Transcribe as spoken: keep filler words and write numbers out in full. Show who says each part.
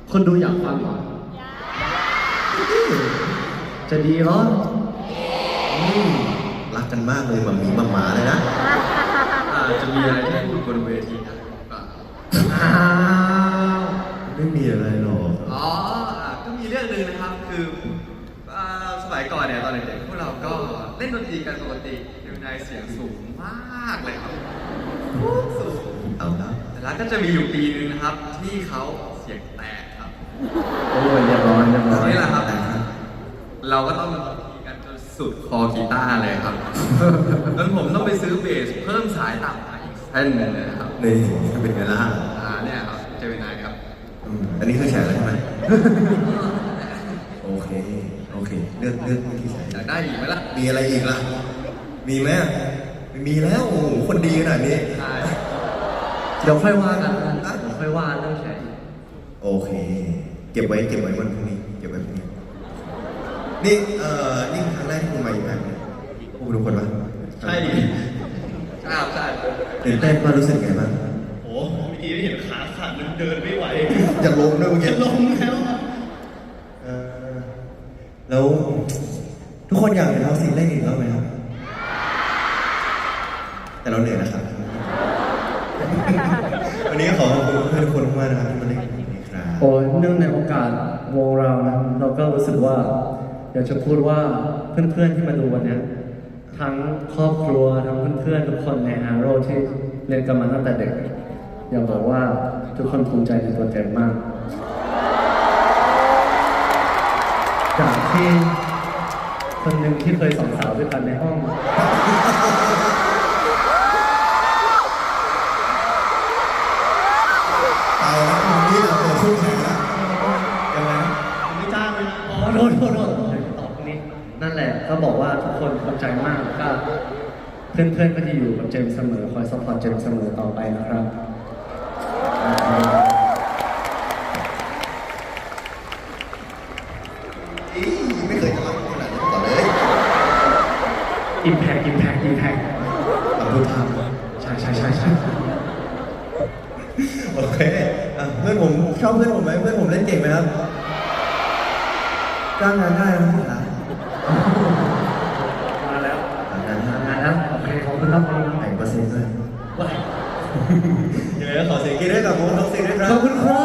Speaker 1: คนดูอยากฟังเหรอจะดีเหรอ
Speaker 2: อืมรักกันมากเลยมัมมี่มัมหมาเลยนะ
Speaker 1: อาจจะมีอะไรที่พูดบนเวทีได้หรือเปล่าอ้าว
Speaker 2: ไม่มีอะไรหรอก
Speaker 1: อ๋ออ่ะก็มีเรื่องหนึ่งนะครับคืออ่าสมัยก่อนเนี่ยตอนเด็กๆพวกเราก็เล่นดนตรีกันปกติอยู่ในเสียงสูงมากเลยครับสูง
Speaker 2: เอาละ
Speaker 1: แต่แล้วก็จะมีอยู่ปีนึงนะครับ ที่เขาเสียงแตกครับ
Speaker 3: โอ้ยเรียบร้อยเรียบร้อย
Speaker 1: นี่แหละครับ เราก็ต้องตีกันจนสุดคอกีตาร์เลยครับ จนผมต้องไปซื้อเบสเพิ่มสายต่ำมาอีกเส้นหนึงเลยนะครับ
Speaker 2: นี่เป็นไงล่ะ
Speaker 1: อ่าเนี่ยครับเจมินายครับ
Speaker 2: อืมอันนี้คือแฉแล้วใช่ไหม โอเค โอเค เลือกเลือกวิธีใช้
Speaker 1: อยากได้อีกไหมล่ะ
Speaker 2: มีอะไรอีกล่ะ มีไหมไม่มีแล้ว โอ้โห คนดีขนาดนี้
Speaker 1: ใช่
Speaker 3: เดี๋ยวค่อยว่ากันนะเดี๋ยวค่อยว่าเรื่องแชร์อีก
Speaker 2: โอเค เก็บไว้ เก็บไว้วันพรุ่งนี้ เก็บไว้พรุ่งนี้ นี่ เอ่อ นี่ครั้งแรกที่คุณมาอยู่แบบนี้พูดทุกคนปะ
Speaker 1: ใช่ดิใช่ครับใช่
Speaker 2: ตื่นเต้นป่ะรู้สึกไงบ้าง
Speaker 4: โอ้เมื่อกี้เห็นขาสั่นเดินไม่ไหว
Speaker 2: จะล้มด้วยเมื่อกี้
Speaker 4: จะลงแล้วอะ
Speaker 2: เอ่อแล้วทุกคนอยากเห็นเราสิเล่นอีกรอบไหมครับ แต่เราเหนื่อยนะครับ วันนี้ขอขอบคุณเพื่อนๆทุกคนมากนะครับที่มาเล่นอีกครับ
Speaker 3: โอ้ยเนื่องในโอกาสวงเรานะเราก็รู้สึกว่า อยากจะพูดว่าเพื่อนๆที่มาดูวันเนี้ยทั้งครอบครัวทั้งเพื่อนๆทุกคนในฮาโร่ที่เรียนกันมาตั้งแต่เด็ก อยากบอกว่าทุกคนภูมิใจในตัวเจมมาก จากที่คนหนึ่งที่เคยสองสาวด้วยกันในห้อง
Speaker 2: เอาละวันนี้เราเปิดคู่แข่งแล้วยังไงนะ
Speaker 4: ไม่จ้างเลยนะ
Speaker 3: อ๋อโทษโทษโทษเดี๋ยวตอบตรงนี้ นั่นแหละก็บอกว่าทุกคนภูมิใจมากก็เพื่อนๆก็จะอยู่กับเจมส์เสมอ คอยซัพพอร์ตเจมส์เสมอต่อไปนะครับ
Speaker 2: อีไม่เคยจะรักขนาดนี้มาก่อนเลย
Speaker 3: Impact Impact Impact
Speaker 2: ขอบคุณครับ
Speaker 3: ใช่ใช่ใช่ใช่
Speaker 2: โอเคอ่ะเพื่อนผมชอบเพื่อนผมไหมเพื่อนผมเล่นเก่งไหมครับจ้างงานได้นะครับ
Speaker 3: มาแล้ว
Speaker 2: จ้างงาน
Speaker 3: มาแล้วโอเคขอบคุณครับขอบคุณครับ
Speaker 2: แต่งเปอร์เซ็นต์ด้วย
Speaker 3: ว้าย
Speaker 2: ยังไงก็ขอเสียงกรี๊ดให้กับวงท็อกซิกด้วยครับ
Speaker 3: ขอบคุณครับ